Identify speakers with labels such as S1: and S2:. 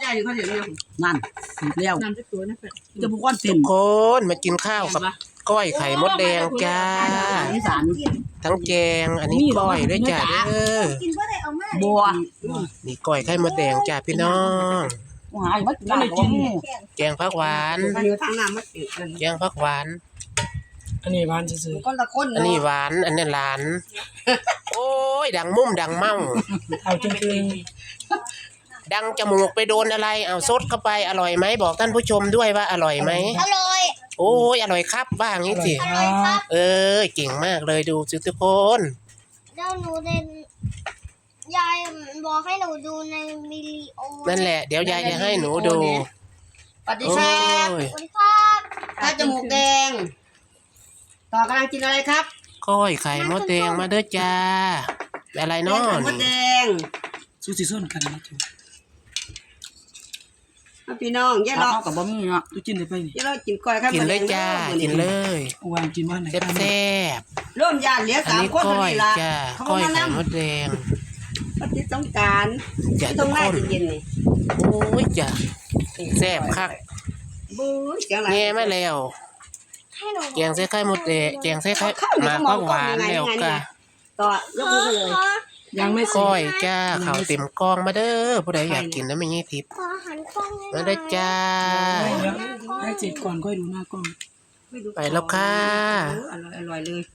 S1: ญ่เขาเดี๋ยวนี้
S2: นั่นเลี้ยว
S1: น้ำจะตัวนะเพื่อน
S2: จะบุกก้อนเส้น
S3: คนมากินข้าวกับก้อยไข่มดแดงจ้า
S2: อีสาน
S3: ทั้งแกงอันนี้ก้อยด้วยจ้าเด้อ
S4: กินก็ได้เอามา
S2: บัว
S3: นี่ก้อยไข่มดแดงจ้าพี่น้อง
S2: หายมากินได้กิน
S3: แกงผักหวาน
S1: เนื้อทางน้ำมันติดกัน
S3: แกงผักหวาน
S5: อันนี้หวานซื่อ
S1: คนละคน
S3: อันนี้หวานอันนี้หลาน โอ้ยดังมุ่มดังเมา
S5: ๆเอาจริง
S3: ดังจมูกไปโดนอะไรเอาซดเข้าไปอร่อยไหมบอกท่านผู้ชมด้วยว่าอร่อยไหม
S4: อร่อย
S3: โอ้ยอร่อยครับบ้างนี้สิ
S5: ๆครับ
S3: เก่งมากเลยดูสิทุกคน
S4: เดี๋ยวหนูเดินยายบอกให้หนูดูในวิดีโอ
S3: นั่นแหละเดี๋ยวยายจะให้หนูดู
S1: สวัสดี
S3: โอ้
S1: ครับ
S3: ย
S4: สวัสดีครับ
S1: ตาจมูกแดง ต่อกำลังกินอะไรครับ
S3: ก้อยไข่มดแดงมาเด้อจ้าอะไรเนาะ
S1: ไข่มดแดง
S5: สู้สิส้นกันนะจู
S1: พี่น้องย่า
S2: เรา
S1: เรา
S2: กับบะหมี่เนาะ
S5: ดูกินได้ไปนี่
S1: ย่าเรากินก้อยครับ
S3: กินเลยจ้ากินเลย
S5: วางกินบ้านไหน
S3: แซ่บ
S1: ร่วมญาติเหลือ
S3: ๆอัน
S1: 3
S3: นี้
S1: คน
S3: ก้
S1: พอ
S3: อย
S1: ดีละ
S3: จ้า
S1: เขา
S3: ก้อย
S1: มา
S3: ไข่
S1: นั่ง
S3: มดแดง
S1: ปฏิสงการ
S3: จ้า
S1: ตร
S3: ทุ
S1: ง
S3: ก
S1: หน้า
S3: คน
S1: เย็นๆนี่
S3: โอ้ยจ้าแซ่บคัก
S1: บู๊ยเสียงอะไร
S3: แง่มาแล้ว
S4: ให้หนู
S3: แกงใส่ไข่มดแดงแกงใส่ไข่หมากผักหวานแล้วก็
S1: ต่อยกมือเลย
S5: ยังไม่
S3: ก้อยจ้าข้าวเต็มกองมาเด้อผู้ใดอยากกินนะไม่งี้ทิพย์
S4: ขอหันกล้องให้หน่
S3: มา
S4: อย
S3: เด้อจ้า
S5: ให้เสร็จก่อนค่อยดูหน้ากล้อง
S3: ไปแล้วค่ะ
S1: อร่อยเลย